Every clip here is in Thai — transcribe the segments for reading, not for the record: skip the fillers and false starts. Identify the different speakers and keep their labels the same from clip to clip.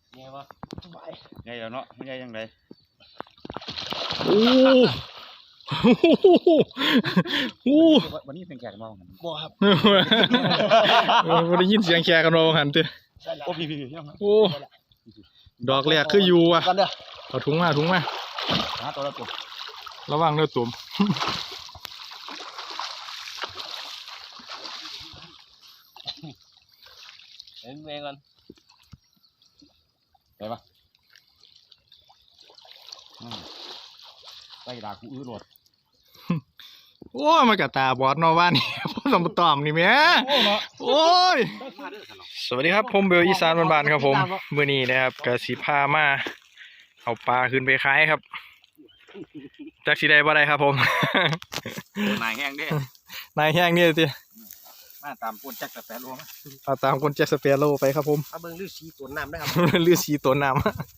Speaker 1: ไงวะไงแล้วเนาะไม่ไงยังไง
Speaker 2: โอ้โห
Speaker 1: วันนี้เป็นแขกมองกัน
Speaker 3: บ่ครับ
Speaker 2: วันได้ยินเสียงแขกกันเราหันเต้
Speaker 1: โอ้พี่
Speaker 2: โอ้ดอกแรกคืออยู่อ่ะ
Speaker 3: กันเด้อ
Speaker 2: เอาถุงมา
Speaker 1: หาตัวละตัว
Speaker 2: ระวังเนื้อตุ่ม
Speaker 3: เห็นเองกัน
Speaker 1: ไปปะไปด่ากูอื้อรถ
Speaker 2: โอ้มากระตาบอดนอว่านี่พ่อสมตอมนี่แม่โอ้ยสวัสดีครับผมเบลอีสานบ้านๆครับผมมื้อนี้นะครับกสิพามาเอาปลาขึ้นไปขายครับจักสิได้บ่ได้ครับผม
Speaker 1: นายแห้งเด้
Speaker 2: นายแห้งนี่สิ
Speaker 1: มาตามปนแจ็คแต่รวม
Speaker 2: เอาตามคนแจ็คสเปียโร่ไปครับผม
Speaker 3: เอาเบิ่งฤาษีตัวน้ำนะครับ
Speaker 2: ลือสีตัวน้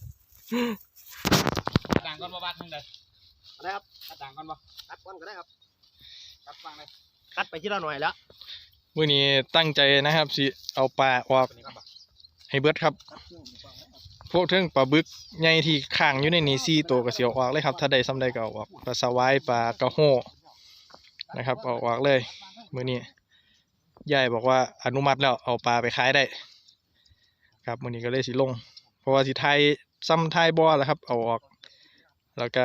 Speaker 1: ต่างกันบ่บ้านทั้งใด
Speaker 3: อะไรครับ
Speaker 1: ต่างกันบ่
Speaker 3: ตัดก้อนก็ได้ครับ
Speaker 1: ตัดฟังเลย
Speaker 3: ตัดไปที่ละหน่อยแล้ว
Speaker 2: ำมื้อนี้ตั้งใจนะครับสิเอาปลาออกให้เบิดครับพวกเทิงปลาบึกใหญ่ที่ข้างอยู่ในนี้4ตัวก็สิเอาออกเลยครับถ้าได้ซ้ำใดก็เอาออกปลาสวายปลากระโห้นะครับเอาออกเลยมื้อนี้ยายบอกว่าอนุมัติแล้วเอาปลาไปขายได้ครับมื้อนี้ก็เลยสิลงเพราะว่าสิไทยซ้ำไทยบ่แล้วครับเอาออกแล้วก็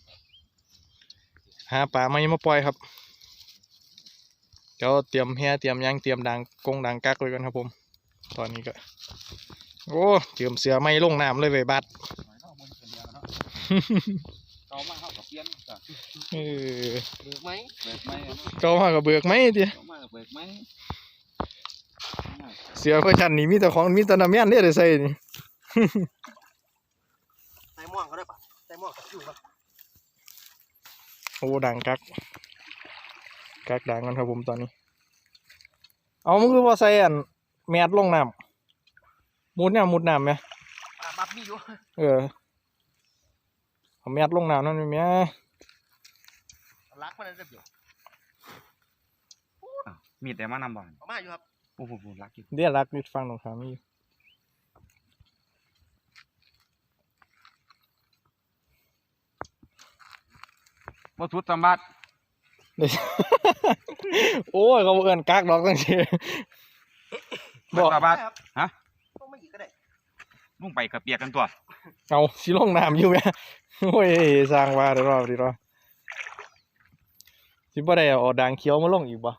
Speaker 2: หาปลาไม่มาปล่อยครับเดี๋ยวเตรียมแห่เตรียมยางเตรียมดังกงดังกักไว้ก่อนครับผมตอนนี้ก็โอ้เตรียมเสือไม่ลงน้ำเลยเว้ยบัด
Speaker 1: เขามาเข้ากับเพี้ยน
Speaker 2: เออ
Speaker 3: เบิกไหม
Speaker 1: เบิกไหม
Speaker 2: เก่ามากับเบิกไหมที
Speaker 1: เขามากับเบิกไหม
Speaker 2: เสือเพื่อชันนี่มีแต่ของมีแต่น้ำมันเนี่ยได้ใส่นี่
Speaker 3: ใส่ม่วงก็ได้ปะใส่ม่วงกับคิวครับ
Speaker 2: โอ้ดังกักดังกันครับผมตอนนี้เอามันคือว่าใส่อันแมดลงน้ำมุดน้ำไหม
Speaker 3: บับมีอยู่
Speaker 2: เออเอาแมดลงน้ำนั่นไหม
Speaker 3: รักมันได้เดียว
Speaker 1: มีแต่มานำบ่อน
Speaker 3: เอามาอยู่ครับ
Speaker 1: โอ้โหรักอยู่
Speaker 2: เดี๋ยวรักนิดฟังตรงขามีอยู่
Speaker 1: บ่ทุดสมบัติ
Speaker 2: เดี๋ยว โอ้ยเขาเอิ้นกักดอกตั้งที
Speaker 1: บอกสมบัติฮะ
Speaker 3: ต้องไม่หยิบก็ได้
Speaker 1: มุ่งไปกับเปียกกันตัว
Speaker 2: เอาสิลงน้ำอยู่ไหมโอ้ยสร้างว่าเดี๋ยวรอสิบ่ได้เอาด่างเขียวมาลงอีกบ่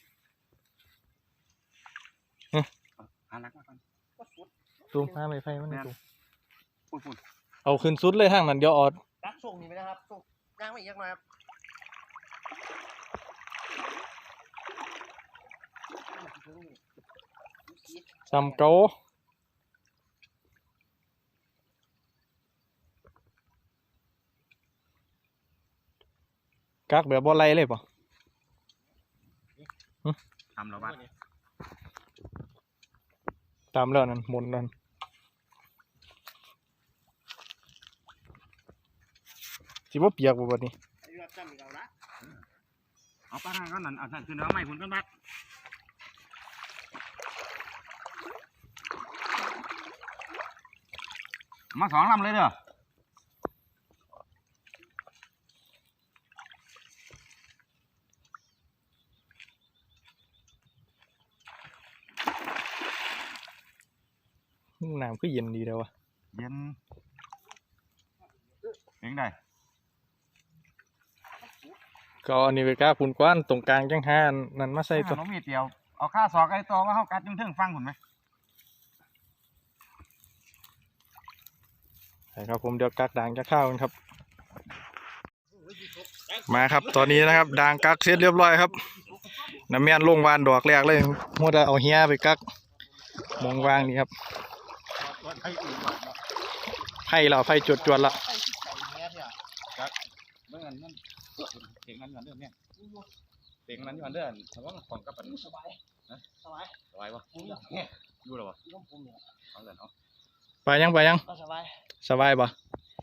Speaker 1: หารักมาก่อน
Speaker 2: ตูมห้าไม่ไฟมันตูม
Speaker 1: พูด
Speaker 2: เอาขึ้นสุดเลยทางนั้นเดี๋ยวออด
Speaker 3: รักส่งนี่ไหมนะครับส่งย่างไม่อีกยักหน่อยครับ
Speaker 2: ซ้ำเก่ากักแบบบ่ไล่เลยป่ะ
Speaker 1: ทำเราบ้าน
Speaker 2: ตามแล้วนั่นหมุนนั่นสิบ่เปียกบ่บัดนี้
Speaker 3: ไอ้ยอดจำอีกเอาละ
Speaker 1: เอาป้านั่นก็นั่นเอานั่นคือเนื้อใหม่คุณกันบัดมาสองลำเลยเด้อ
Speaker 2: น้ำคือเย็นดีแล้ววะ
Speaker 1: เย็นเองได้
Speaker 2: ก็อันนี้ไปกล้าปุ่นกว้านตรงกลางจังหาอันนั่นมาใส่ตัว
Speaker 1: น้องมีเตียวเอาข้าศอกไอ้ตัวว่าเขากัดยุ่งเทิงฟังคุณไหม
Speaker 2: ใช่ครับผมเดี๋ยวกักด่างจะเข้ากันครับ มาครับตอนนี้นะครับด่างกักเสร็จเรียบร้อยครับน้ำแม่นลงวานดอกแรกเลยมัวแต่เอาเฮียไปกักมองวางนี่ครับไผ่เราไผ่จวดละ
Speaker 3: ไอ้ที่ใส่เนี้ยเนี่ย
Speaker 1: เมื่อนั้นนั่นเสียงนั้นอยู่อันเดิมเนี่ยเสียงนั้นอยู่อันเดิมแต่ว่าของกับปัน
Speaker 3: สบายสบาย
Speaker 1: สบายวะอยู่หรอวะ
Speaker 3: ที่ต้องผมเนี่ย
Speaker 1: เอาเลยเนาะ
Speaker 2: ไปยัง
Speaker 3: ก็สบาย
Speaker 2: สบายปะ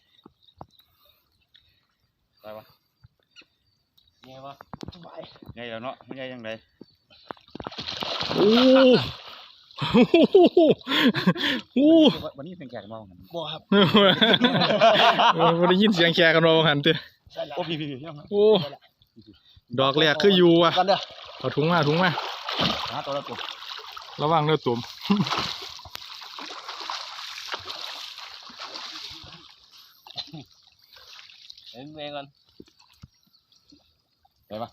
Speaker 1: สบายวะ
Speaker 3: ไงวะสบาย
Speaker 1: ไงแล้วเนาะไม่ไงยังไง
Speaker 2: โอ้โอ้
Speaker 1: วันนี้เป็นแขกมองกัน
Speaker 3: บ่ครับ
Speaker 2: บ่ได้ยินเสียงแขกกันบ่หันติ
Speaker 1: โอ้พี่ยัง
Speaker 2: โอ้ดอกแรกคืออยู่อ่ะ
Speaker 3: กันเด้อ
Speaker 2: เอาถุงมา
Speaker 1: หาตัวละตัว
Speaker 2: ระวังเด้อตุ่ม
Speaker 3: เห็นเองกัน
Speaker 1: ไปปะ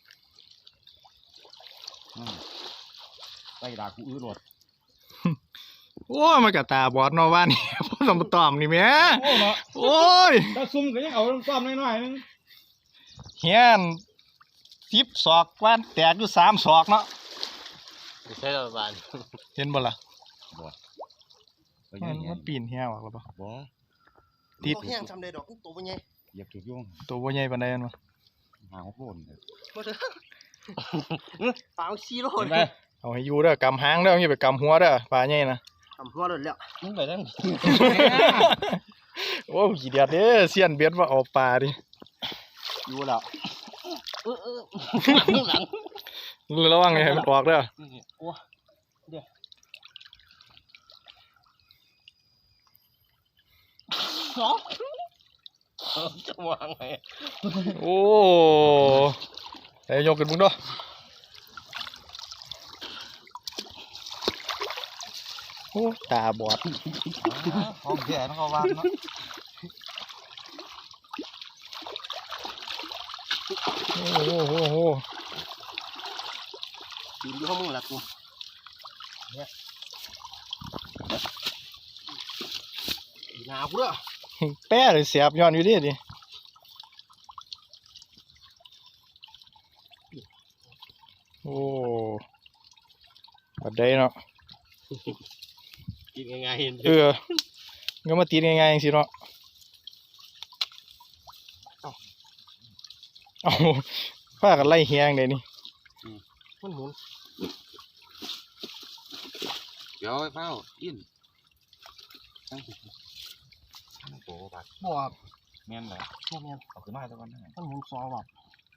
Speaker 1: ไปด่ากูอื้อโหลด
Speaker 2: โอ้ยมันก็ตาบอดเนาะว่านี่ พ่อสมตอมนี่แหม่
Speaker 1: โอ้เนาะ
Speaker 2: โอ้ย
Speaker 1: ถ้าซุ่มก็ยังเอาต้อมน้อยๆนึง
Speaker 2: เฮียน10ศอกว่านแตกอยู่3ศอกเนาะ
Speaker 3: ไม่ใช่ประมาณ
Speaker 2: เห็นบ่ล่ะ
Speaker 1: ไปยั
Speaker 2: มันปีนเฮียออกแล้วบ่
Speaker 1: บ่
Speaker 2: ติด
Speaker 3: แห้งทำได้ดอกตัวเป็นไง
Speaker 1: เหยียบถูกโยง
Speaker 2: ตัวบ่ใหญ่ปานใดมันวะ
Speaker 1: หาหัวโผล่
Speaker 3: บ่เด้อปลาซีโร่
Speaker 1: เห็นไหม
Speaker 2: เอาให้อยู่เด้อกำหางเด้ออย่าไปกำหัวเด้อปลาใหญ่นะ
Speaker 3: ทำหัวโดนแล้วมึงไปนั่ง
Speaker 2: โอ้ขี้เดียดเด้อเสียนเบ็ดว่าเอาปลาดิ
Speaker 1: อยู่แล้ว
Speaker 3: หลัง
Speaker 2: ระวังให้มันออกเด้อ
Speaker 3: โอ้เดี๋ยวสองจะวางไง
Speaker 2: โอ้ไอ้ยกขึ้นมึงด้วยโอ้ตาบอด
Speaker 1: ห้องแก่ต้องเขาวางเนาะ
Speaker 2: โอ้โห
Speaker 3: กินอยู่ข้างมึงละกูเนี่ยหนาวกูเด้อ
Speaker 2: แป้เลยเสียบย้อนอยู่ดิโอ้แบบใดเนาะ
Speaker 3: กินง่ายๆเห็น
Speaker 2: ก็มาตีง่ายๆอย่างสิเนาะเอาผ้ากันไล่เฮียงเลยนี่
Speaker 3: มันหมุน
Speaker 1: เดี๋ยวไอ้เฝ้าอินตั้งโอ้บาด
Speaker 3: บ่ครับ
Speaker 1: แม่นเลย
Speaker 3: บ่แม่น
Speaker 1: เอาขึ้นมาสักวันนึง
Speaker 3: มันหมุน2 รอบ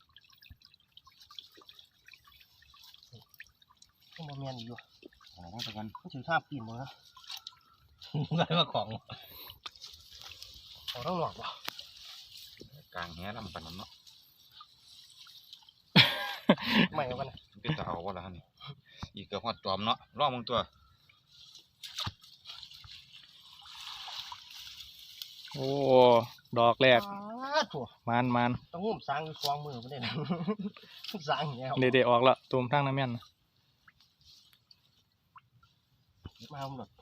Speaker 3: มันบ่แม่นอยู่
Speaker 1: เอามาสักวัน
Speaker 3: มันถือท่าปีนบ่นะได้มาของเอาต้องหลอกบ่
Speaker 1: กลางแหลำปันนั้นเนาะ
Speaker 3: ไม่เอากันนะ
Speaker 1: เป็นตาเอาวะล่ะนี่อีกเกือบหอดจอมเนาะรอบมึงตัว
Speaker 2: โอ้ดอกแรก
Speaker 3: ถั่ว
Speaker 2: มัน
Speaker 3: ต้องงุ่มสร้างอยู่2 มือบ่ได้นะสร้างอย่างเงี้ย
Speaker 2: เด็ดๆออกละตุ่มทั้งน้ำแม่น
Speaker 3: มาเอาหมด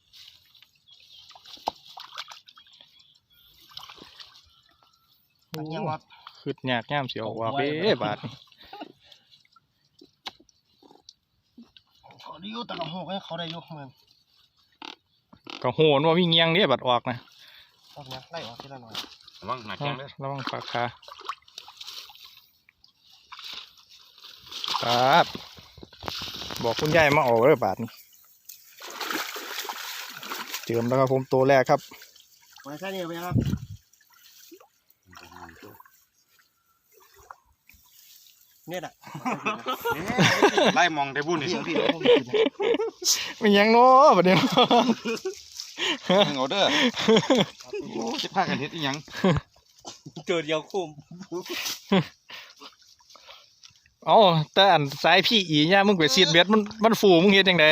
Speaker 3: มันยังว่า
Speaker 2: ขึ้นยากย่ามเสียวว่าเบ้บาดนี่
Speaker 3: เขาได้อยู่แต่ละหัวเขาได้อยู่เหมือน
Speaker 2: ก็โหนว่ามีเงียงเนี่ยบัดออกนะ
Speaker 3: ตอนนี้ไล่ออกทีละหน่อย
Speaker 1: ระวังหนักแข้งเลย
Speaker 2: ระวังปากคาบาดบอกคุณยายมาออกเลยบาดนี่เจิมแล้วครับผมตัวแรกครับ
Speaker 3: ไว้แค่นี้ไปครับเนี่ยอ่ะ
Speaker 1: ไล่มองได้บุญนี่
Speaker 3: พี่
Speaker 2: ไม่ยังเนาะบัดนี้
Speaker 1: มึงเอาเด้อคิดพากันเฮ็ดอีหยัง
Speaker 3: เกิดเดียวคุ้ม
Speaker 2: เอาแต่อันสายพี่อีเนี่ยมึงไปซีดเบ็ดมันฟูมึงเฮ็ดจังได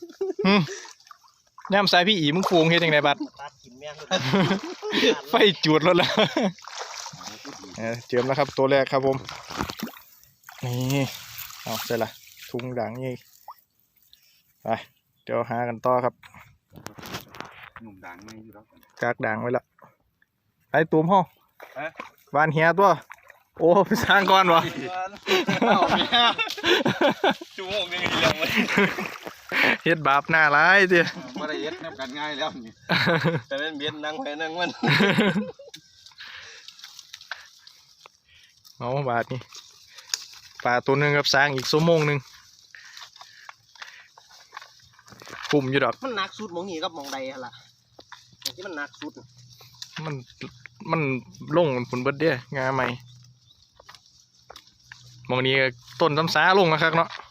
Speaker 2: ย่ำสายพี่อีมึงฟูมึงเฮ็ดจังไดบัด
Speaker 3: ตัดกินแม่ง
Speaker 2: ไฟจุดแล้วล่ะเจิมแล้วครับตัวแรกครับผมนี่เอาใช่ละถุงด่างนี่ไปเดี๋ยวหากันต่อครับ
Speaker 1: หนุ่มด่างไม่อยู่แล้ว
Speaker 2: กากด่างไว้ละไอ้ตูมห้องวานเฮียตัวโอ้ไปสร้างก่อนวะ
Speaker 1: ชั่วโมงนึงเรื่องเลย
Speaker 2: เฮ็ดบาปหน้าร้ายเจ้
Speaker 1: บ่ได้เฮ็ดแนบกันง่ายแล้วนี่
Speaker 3: แต่เป็นเบียนนั่งไปนั่งมัน
Speaker 2: เอาบาทนี่ปลาตัวหนึ่งกับสร้างอีกชั่วโมงหนึ่งปุ่มอยู่ดอก
Speaker 3: มันหนักสุดมองนี่กับมองใดฮะล่ะที่มันหนักสุด
Speaker 2: มันลงผลเบิดเด้งาใหม่มองนี้ต้นซ้ำซาลงนะครับเนาะ